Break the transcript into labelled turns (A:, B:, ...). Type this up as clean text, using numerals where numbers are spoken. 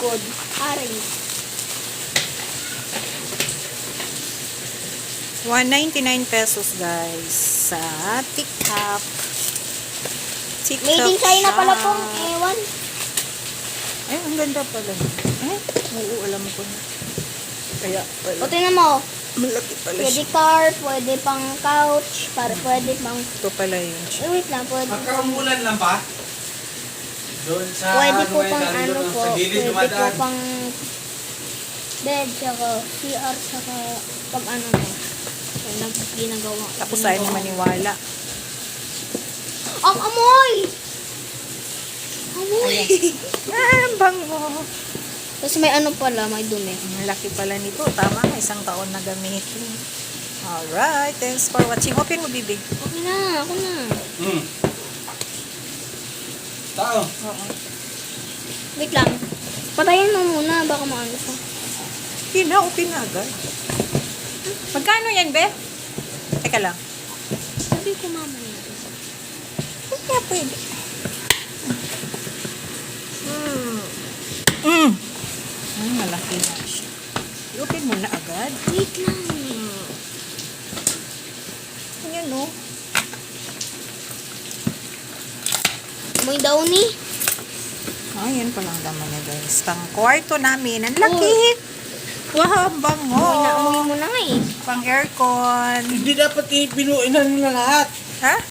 A: likod. Aray.
B: 199 pesos guys sa TikTok.
A: Made in China pala pong ewan.
B: Ay, ang ganda pala. Ay, oo, alam ko na. Kaya pala.
A: O, tingnan mo.
B: Malaki pala
A: Pwede
B: siya.
A: car, pwede pang couch, pwede pang...
B: Ito pala yun siya.
A: Wait lang, pwede pang...
C: Magkaumulan lang ba? Doon sa
A: Pwede po
C: may
A: pang
C: daan
A: ano
C: doon
A: po,
C: sa gilid
A: pwede po
C: dumadaan.
A: pang bed, saka CR, saka pag ano mo. Kaya ginagawa.
B: Tapos ayaw na maniwala.
A: Ang amoy! Amoy!
B: Ah, ang bango.
A: Tapos may ano pala, may dumi.
B: Ang laki pala nito. Tama nga, isang taon na gamitin. Alright, thanks for watching. Open mo, Bibi.
A: Okay na, ako na.
C: Tao.
B: Oo.
A: Wait lang. Patayin mo muna, baka maano pa.
B: Open na agad. Magkano yan, Be? Teka lang.
A: Sabi ko mamaya.
B: Kaya pwede. Malaki na siya. I-open mo na agad.
A: Wait lang.
B: Ayan, no?
A: Amoy daw ni.
B: Ayan pa lang naman niya, guys. Pang kwarto namin. Ang laki. Wow, ang bango.
A: Amoy mo na nga eh.
B: Pang aircon.
C: Hindi dapat ipinuin na nila lahat.
B: Ha?